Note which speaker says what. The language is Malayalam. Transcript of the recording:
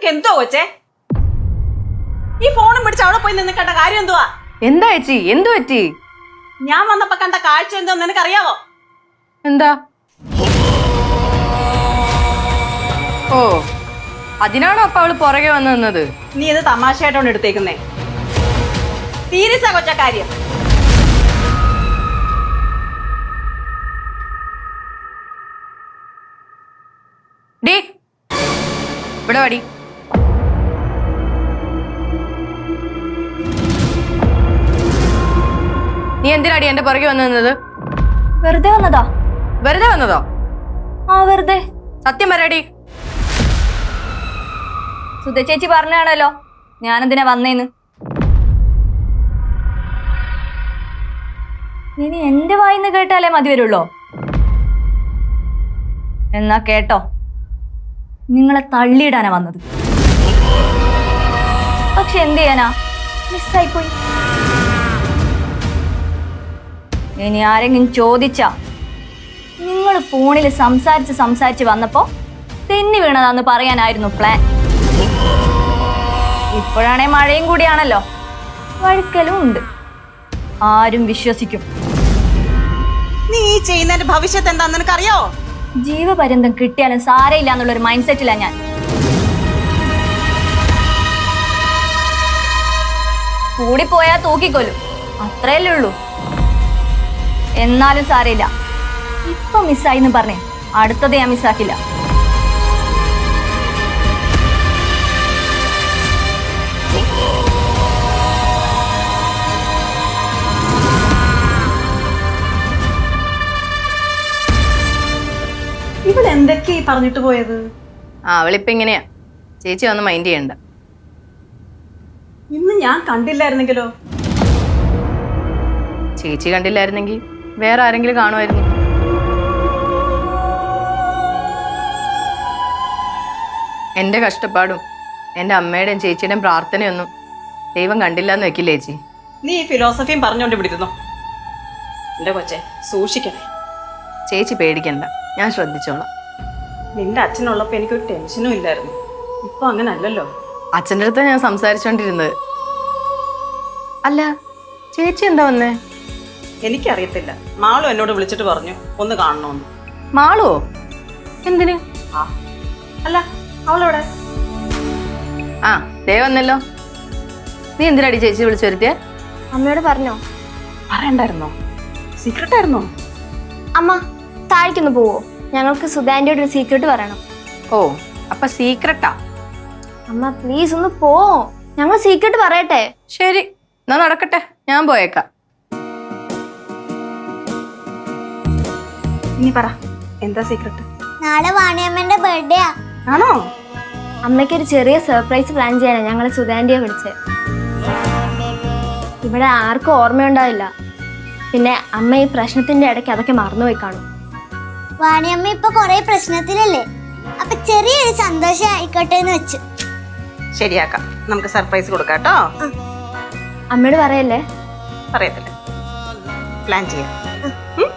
Speaker 1: എന്തോ കൊച്ചേ ഈ ഫോണും പിടിച്ച് അവിടെ പോയി നിന്ന് കണ്ട കാര്യം എന്തുവാ?
Speaker 2: എന്താ ചേച്ചി എന്തു പറ്റി?
Speaker 1: ഞാൻ വന്നപ്പോ കണ്ട കാഴ്ച എന്തോ നിനക്കറിയാവോ?
Speaker 2: എന്താ? ഓ അതിനാണോ അപ്പൊ അവള് പുറകെ വന്നു നിന്നത്?
Speaker 1: നീ ഇത് തമാശയായിട്ടോണ്ട് എടുത്തേക്കുന്നേ. സീരിയസാ കൊച്ച കാര്യം.
Speaker 2: ഡേ ഇവിടെ വാടി. നീ എന്തിനാടി എന്റെ പുറകെ വന്നു നിന്നത്?
Speaker 3: വെറുതെ വന്നതാ.
Speaker 2: വെറുതെ വന്നതോ?
Speaker 3: ആ വെറുതെ.
Speaker 2: സത്യം പറയടി.
Speaker 3: സുധ ചേച്ചി പറഞ്ഞാണല്ലോ ഞാനെന്തിനാ വന്നേന്ന്. ഇനി എന്റെ വായിന്ന് കേട്ടാലേ മതി വരുള്ളോ? എന്നാ കേട്ടോ, നിങ്ങളെ തള്ളിയിടാനാ വന്നത്. പക്ഷെ എന്ത് ചെയ്യാനാ, മിസ്സായിപ്പോയി. ഇനി ആരെങ്കിലും ചോദിച്ചാ നിങ്ങൾ ഫോണിൽ സംസാരിച്ച് വന്നപ്പോ തെന്നി വീണതാന്ന് പറയാനായിരുന്നു പ്ലാൻ. ഇപ്പോഴാണേ മഴയും കൂടിയാണല്ലോ, വഴുക്കലും ഉണ്ട്. ആരും വിശ്വസിക്കും.
Speaker 1: നീ ഈ ചെയ്യുന്നതിന്റെ ഭവിഷ്യത്ത് എന്താന്ന് നിനക്കറിയോ?
Speaker 3: ജീവപര്യന്തം കിട്ടിയാലും സാരയില്ല എന്നുള്ളൊരു മൈൻഡ് സെറ്റിലാ ഞാൻ. കൂടിപ്പോയാ തൂക്കിക്കൊല്ലും, അത്രയല്ലേ ഉള്ളൂ. എന്നാലും സാരയില്ല. ഇപ്പൊ മിസ്സായിന്ന് പറഞ്ഞേ അടുത്തത് ഞാൻ മിസ്സാക്കില്ല.
Speaker 1: ഇവളെന്തൊക്കെയാ പറഞ്ഞിട്ട് പോയത്?
Speaker 2: അവളിപ്പ ഇങ്ങനെയാ. ചേച്ചി ഒന്ന് മൈൻഡ് ചെയ്യണ്ട.
Speaker 1: ഇന്ന് ഞാൻ കണ്ടില്ലായിരുന്നെങ്കിലോ?
Speaker 2: ചേച്ചി കണ്ടില്ലായിരുന്നെങ്കിൽ വേറെ ആരെങ്കിലും കാണുമായിരുന്നു. എന്റെ കഷ്ടപ്പാടും എന്റെ അമ്മയുടെയും ചേച്ചിയുടെയും പ്രാർത്ഥനയൊന്നും ദൈവം കണ്ടില്ല എന്ന് വെക്കില്ല ചേച്ചി.
Speaker 1: നീ ഈ ഫിലോസഫിയും പറഞ്ഞോണ്ട് പിടിക്കുന്നു. എന്റെ കൊച്ചെ സൂക്ഷിക്കണേ.
Speaker 2: ചേച്ചി പേടിക്കണ്ട, ഞാൻ ശ്രദ്ധിച്ചോളാം.
Speaker 1: നിന്റെ അച്ഛനുള്ളപ്പോ എനിക്കൊരു ടെൻഷനും ഇല്ലായിരുന്നു. ഇപ്പൊ അങ്ങനെ അല്ലല്ലോ.
Speaker 2: അച്ഛൻ്റെ അടുത്ത് ഞാൻ സംസാരിച്ചോണ്ടിരുന്നത്. അല്ല ചേച്ചി എന്താ വന്നേ?
Speaker 1: എനിക്കറിയത്തില്ല. മാളു എന്നോട് വിളിച്ചിട്ട് പറഞ്ഞു ഒന്ന് കാണണമെന്ന്.
Speaker 2: മാളുവോ? എന്തിന്?
Speaker 1: ആ അല്ല, അവളെവിടെ?
Speaker 2: ആ ദേ വന്നല്ലോ. നീ എന്തിനാടി ചേച്ചി വിളിച്ചു വരുത്തിയേ?
Speaker 3: അമ്മയോട് പറഞ്ഞോ?
Speaker 1: പറയണ്ടായിരുന്നോ? സീക്രട്ട് ആയിരുന്നോ?
Speaker 3: അമ്മ താഴേക്കൊന്ന് പോവോ? ഞങ്ങൾക്ക് സുധാന്റിയോട് ഒരു സീക്രട്ട് പറയണം.
Speaker 2: ഓ അപ്പൊ സീക്രട്ടാ?
Speaker 3: അമ്മ പ്ലീസ് ഒന്ന് പോ, ഞങ്ങൾ സീക്രട്ട് പറയട്ടെ.
Speaker 2: ശരി എന്നാ നടക്കട്ടെ, ഞാൻ പോയേക്കാം.
Speaker 1: നീ പറ, എന്താ സീക്രട്ട്?
Speaker 4: നാളെ വാണിയമ്മന്റെ ബർത്ത്ഡേ
Speaker 1: ആണോ?
Speaker 3: അമ്മയ്ക്ക് ഒരു ചെറിയ സർപ്രൈസ് പ്ലാൻ ചെയ്യാനാ ഞങ്ങൾ സുധാന്റിയെ വിളിച്ചത്. ഇവിടെ ആർക്കും ഓർമ്മയുണ്ടാവില്ല. പിന്നെ അമ്മ ഈ പ്രശ്നത്തിന്റെ ഇടയ്ക്ക് അതൊക്കെ മറന്നുപോയി കാണും.
Speaker 4: വാണിയമ്മ ഇപ്പൊ കൊറേ പ്രശ്നത്തിലല്ലേ, അപ്പൊ ചെറിയൊരു സന്തോഷം ആയിക്കോട്ടെ എന്ന് വെച്ചു.
Speaker 1: ശരിയാക്കാം, നമുക്ക് സർപ്രൈസ് കൊടുക്കാം കേട്ടോ.
Speaker 3: അമ്മയോട് പറയല്ലേ?
Speaker 1: പറയത്തില്ല, പ്ലാൻ ചെയ്യാം.